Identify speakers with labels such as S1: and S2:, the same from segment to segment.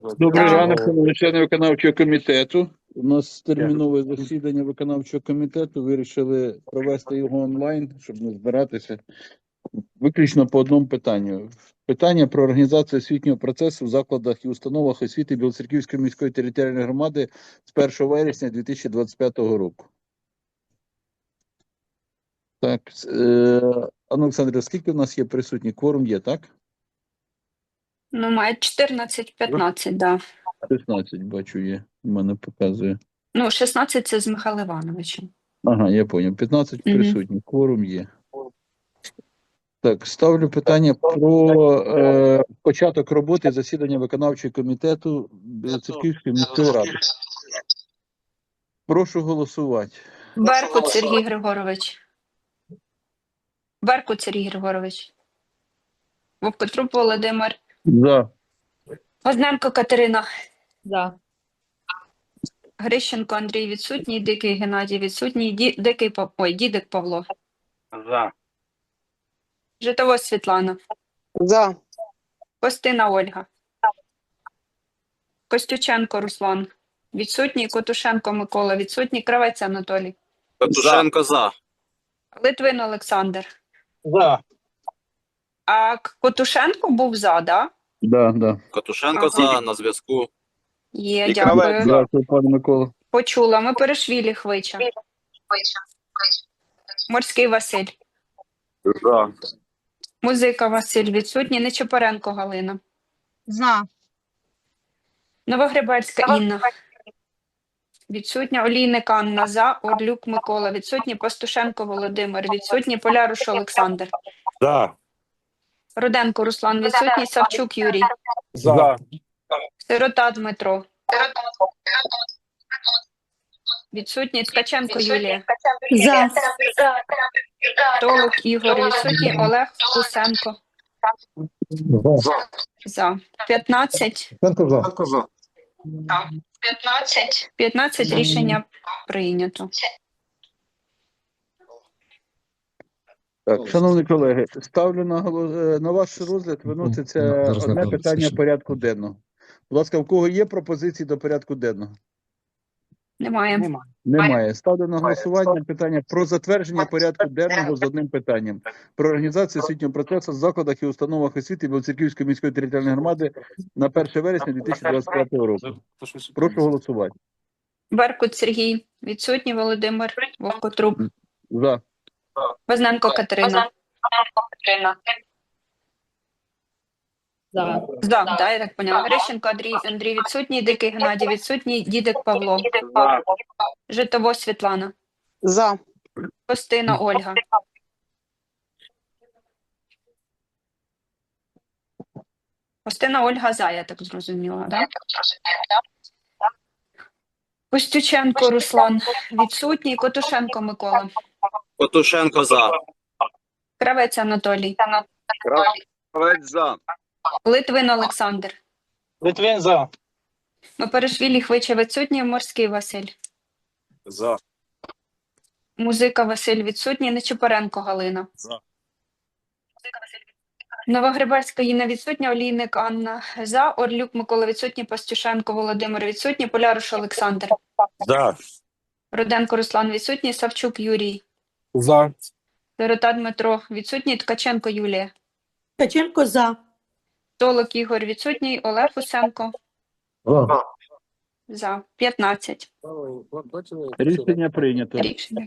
S1: Добрий
S2: Так.
S1: ранок, шановні члени виконавчого комітету. У нас термінове засідання виконавчого комітету. Вирішили провести його онлайн, щоб не збиратися. Виключно по одному питанню. Питання про організацію освітнього процесу в закладах і установах освіти Білоцерківської міської територіальної громади з 1 вересня 2025 року. Так, Олександр, скільки в нас є присутні? Кворум є, так?
S2: Ну, має 14-15, да.
S1: 16, бачу, є. У мене показує.
S2: Ну, 16 – це з Михайлом Івановичем.
S1: Ага, я понял. 15 присутніх, кворум є. Так, ставлю питання про початок роботи засідання виконавчого комітету Білоцерківської міської ради. Прошу голосувати.
S2: Беркут Сергій Григорович. Беркут Сергій Григорович. Вовкотруп Володимир.
S1: За.
S2: Возненко Катерина.
S3: За.
S2: Грищенко Андрій відсутній, Дикий Геннадій відсутній, Дідик Павло.
S4: За.
S2: Житовось Світлана.
S5: За.
S2: Костина Ольга. Костюченко Руслан. Відсутній. Котушенко Микола. Відсутній. Кравець Анатолій.
S4: Катушенко за.
S2: Литвин Олександр.
S4: За.
S2: А Котушенко був за, да?
S1: Да.
S4: Катушенко
S2: Ага.
S4: за, на зв'язку.
S2: Є,
S4: І
S2: дякую.
S4: Кравець.
S1: Дякую, пане Микола.
S2: Почула. Ми Перешвілі Хвича. Морський Василь.
S4: За.
S2: Музика Василь відсутній. Нечепоренко Галина.
S3: За.
S2: Новогребельська Інна. Відсутня. Олійник Анна за. Орлюк Микола відсутній. Пастушенко Володимир відсутній. Поляруш Олександр.
S4: За.
S2: Руденко Руслан відсутній. Савчук Юрій.
S4: За.
S2: Сирота Дмитро. Відсутній. Ткаченко Юлія.
S3: За.
S2: Толок Ігор відсутній. Олег Кусенко. За. 15. 15 рішення прийнято.
S1: Так, шановні колеги, ставлю на ваш розгляд виноситься
S6: Зараз
S1: одне
S6: направду,
S1: питання
S6: слушай.
S1: порядку денного. Будь ласка, в кого є пропозиції до порядку денного?
S2: Немає.
S1: Немає. Ставлю на голосування питання про затвердження порядку денного з одним питанням. Про організацію освітнього процесу в закладах і установах освіти Білоцерківської міської територіальної громади на 1 вересня 2025 року. Прошу голосувати.
S2: Беркут Сергій відсутній. Володимир Вовкотруп.
S1: За.
S2: Возненко Катерина.
S3: За.
S2: За, да, я так поняла. Грищенко Андрій відсутній. Дикий Геннадій відсутній. Дідик Павло. Житово Світлана.
S5: За.
S2: Костина Ольга. Костина Ольга за, я так зрозуміла, да? Костюченко Руслан відсутній. Котушенко Микола.
S4: Катушенко за.
S2: Кравець Анатолій.
S4: Кравець за.
S2: Литвин Олександр.
S4: Литвин за.
S2: Перешвілі Хвича відсутній. Морський Василь.
S4: За.
S2: Музика Василь відсутній. Нечепоренко Галина.
S4: За.
S2: Новогребельська Інна відсутня. Олійник Анна за. Орлюк Микола відсутній. Пастюшенко Володимир відсутній. Поляруш Олександр.
S4: За.
S2: Руденко Руслан відсутній. Савчук Юрій.
S4: За.
S2: Сирота Дмитро відсутній. Ткаченко Юлія.
S3: Ткаченко за.
S2: Толок Ігор відсутній. Олег Усенко. За. 15.
S1: Рішення прийнято.
S2: Рішення.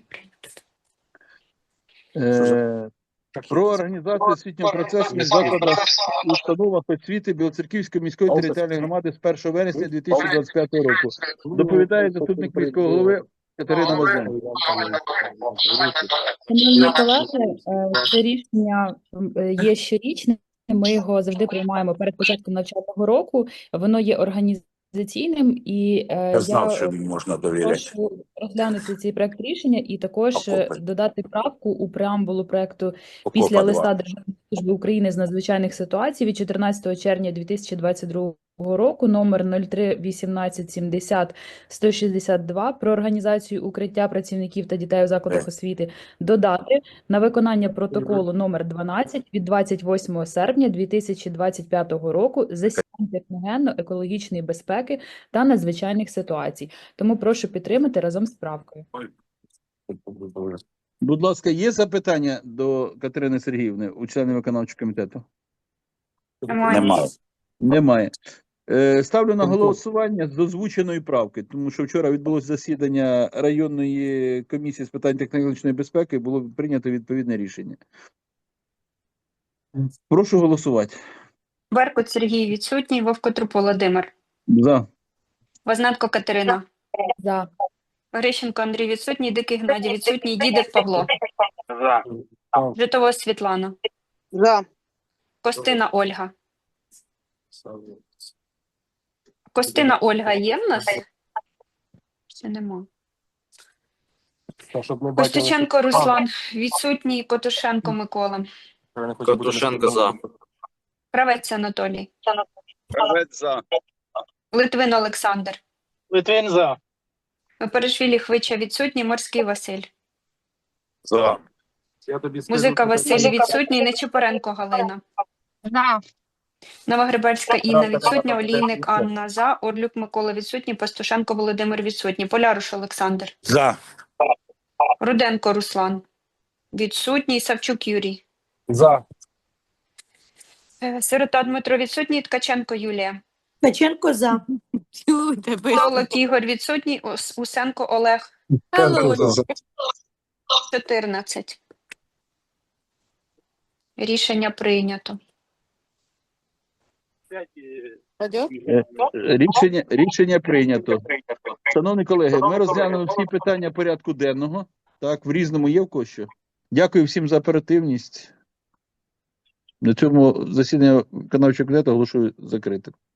S1: Про організацію освітнього процесу в закладах і установах освіти Білоцерківської міської територіальної громади з 1 вересня 2025 року. Доповідає заступник міського голови Катерина Возненко.
S3: Шановні колеги, це рішення є щорічним. Ми його завжди приймаємо перед початком навчального року. Воно є організаційним, і
S7: Я знав, що
S3: я
S7: їм можна довіряти.
S3: прошу розглянути цей проект рішення і також
S7: Окопи.
S3: додати правку у преамбулу проекту
S7: Окопа
S3: після
S7: два.
S3: листа Державної служби України з надзвичайних ситуацій від 14 червня 2022 року номер 03-1870-162 про організацію укриття працівників та дітей у закладах освіти додати на виконання протоколу номер 12 від 28 серпня 2025 року засідань техногенно-екологічної безпеки та надзвичайних ситуацій. Тому прошу підтримати разом з правкою.
S1: Будь ласка, є запитання до Катерини Сергіївни, у членів виконавчого комітету?
S4: Немає.
S1: Немає. Ставлю на голосування з озвученої правки, тому що вчора відбулося засідання районної комісії з питань технологічної безпеки, було прийнято відповідне рішення. Прошу голосувати.
S2: Беркут Сергій відсутній, Вовкотруп Володимир.
S1: За.
S2: Возненко Катерина.
S3: За.
S2: Грищенко Андрій відсутній, Дикий Геннадій відсутній, Дідик Павло.
S4: За.
S2: Житова Світлана.
S5: За.
S2: Костина Ольга. Костина Ольга є в нас? Ще нема. Костюченко Руслан відсутній, Котушенко Микола.
S4: Котушенко за.
S2: Кравець Анатолій.
S4: Кравець за.
S2: Литвин Олександр.
S4: Литвин за.
S2: Перешвілі Хвича відсутній, Морський Василь.
S4: За.
S2: Музика Василь відсутній, Нечипоренко Галина.
S5: За.
S2: Новогребельська Інна відсутня, Олійник Анна за, Орлюк Микола відсутній, Пастушенко Володимир відсутній, Поляруш Олександр.
S4: За.
S2: Руденко Руслан відсутній, Савчук Юрій.
S4: За.
S2: Сирота Дмитро відсутній, Ткаченко Юлія.
S5: Ткаченко за.
S2: Солок Ігор відсутній, Усенко Олег. 14. Рішення прийнято.
S1: Рішення прийнято. Шановні колеги, ми розглянули всі питання порядку денного. Так, в різному є в когось що. Дякую всім за оперативність. На цьому засідання виконавчого комітету оголошую закритим.